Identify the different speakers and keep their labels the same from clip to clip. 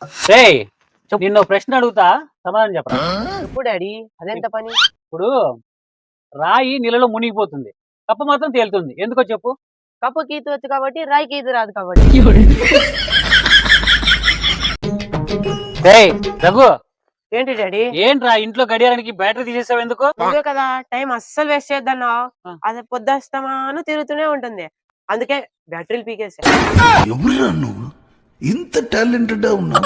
Speaker 1: రేయ్ నిన్న ప్రశ్న అడుగుతా సమాధానం చెప్పరా?
Speaker 2: చెప్పు డాడీ, అదెంత పని?
Speaker 1: ఇప్పుడు రాయి నీళ్ళలో మునిగిపోతుంది, కప్ప మాత్రం తేలుతుంది, ఎందుకో చెప్పు?
Speaker 2: కప్పుకి ఈత వచ్చు కాబట్టి, రాయికి ఈత రాదు కాబట్టి.
Speaker 1: రేయ్ రఘు,
Speaker 2: ఏంటి డాడీ?
Speaker 1: ఏంట్రా ఇంట్లో గడియారానికి బ్యాటరీ తీసేసావు ఎందుకు?
Speaker 2: నువ్వే కదా టైం అస్సలు వేస్ట్ చేద్దన్నావు.
Speaker 1: ఆ.
Speaker 2: అది పొద్దుస్తమాను తిరుగుతూనే ఉంటుంది, అందుకే బ్యాటరీలు పీకేసా.
Speaker 3: ఎవరురా నువ్వు ఇంత టాలెంటెడ్ ఉన్నావు?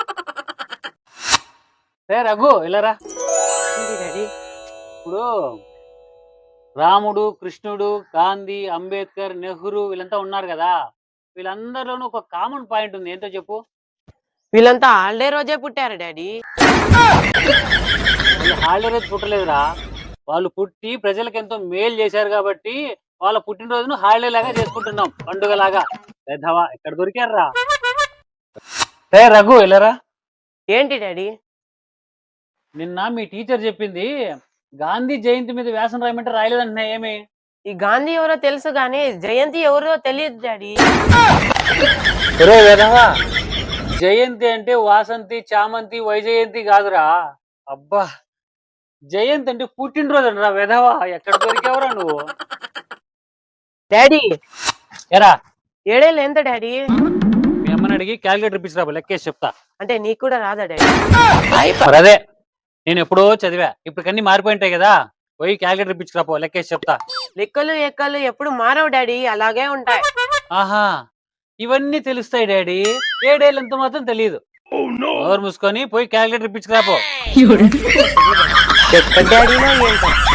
Speaker 1: రే రఘు ఇలారా.
Speaker 2: ఏంటి డాడీ?
Speaker 1: ఇప్పుడు రాముడు, కృష్ణుడు, గాంధీ, అంబేద్కర్, నెహ్రూ వీళ్ళంతా ఉన్నారు కదా, వీళ్ళందరిలోనూ ఒక కామన్ పాయింట్ ఉంది, ఏంటో చెప్పు?
Speaker 2: వీళ్ళంతా హాలిడే రోజే పుట్టారు డాడీ.
Speaker 1: వాళ్ళు హాలిడే రోజు పుట్టలేదురా, వాళ్ళు పుట్టి ప్రజలకు ఎంతో మేలు చేశారు కాబట్టి వాళ్ళ పుట్టినరోజును హాలిడే లాగా చేసుకుంటున్నాం, పండుగ లాగా. పెద్దవా ఎక్కడ దొరికారా? రే రఘు ఇలారా.
Speaker 2: ఏంటి డాడీ?
Speaker 1: నిన్న మీ టీచర్ చెప్పింది గాంధీ జయంతి మీద వ్యాసం రాయమంటే రాయలేదంటున్నా, ఏమి?
Speaker 2: ఈ గాంధీ ఎవరో తెలుసు గానీ జయంతి ఎవరో తెలియదు డాడీ.
Speaker 1: ఒరే వెధవా, జయంతి అంటే వాసంతి, చామంతి, వైజయంతి కాదురా. అబ్బా, జయంతి అంటే పుట్టినరోజు అంటరా వెధవా, ఎక్కడ దొరికావురా నువ్వు?
Speaker 2: డాడీ
Speaker 1: ఎరా,
Speaker 2: ఏడేళ్ళు ఎంత డాడీ?
Speaker 1: మీ అమ్మని అడిగి క్యాలిక్యులేటర్ ఇప్పించిరా, లెక్కేసి చెప్తా.
Speaker 2: అంటే నీకు కూడా రాదా డాడీ?
Speaker 1: మరి అదే, నేను ఎప్పుడో చదివా, ఇప్పుడు అన్ని మారిపోయింటాయి కదా, పోయి క్యాలిక్యులేటర్ ఇప్పించుకురాపో, లెక్కేసి చెప్తా.
Speaker 2: లెక్కలు ఎక్కలు ఎప్పుడు మారవు డాడీ, అలాగే ఉంటాయి.
Speaker 1: ఆహా, ఇవన్నీ తెలుస్తాయి డాడీ, ఏడేళ్ళంత మాత్రం తెలియదు. నోరు మూసుకొని పోయి క్యాలిక్యులేటర్ ఇప్పించుకురాపో.
Speaker 2: ఎక్కడ డాడీలో ఏంటో.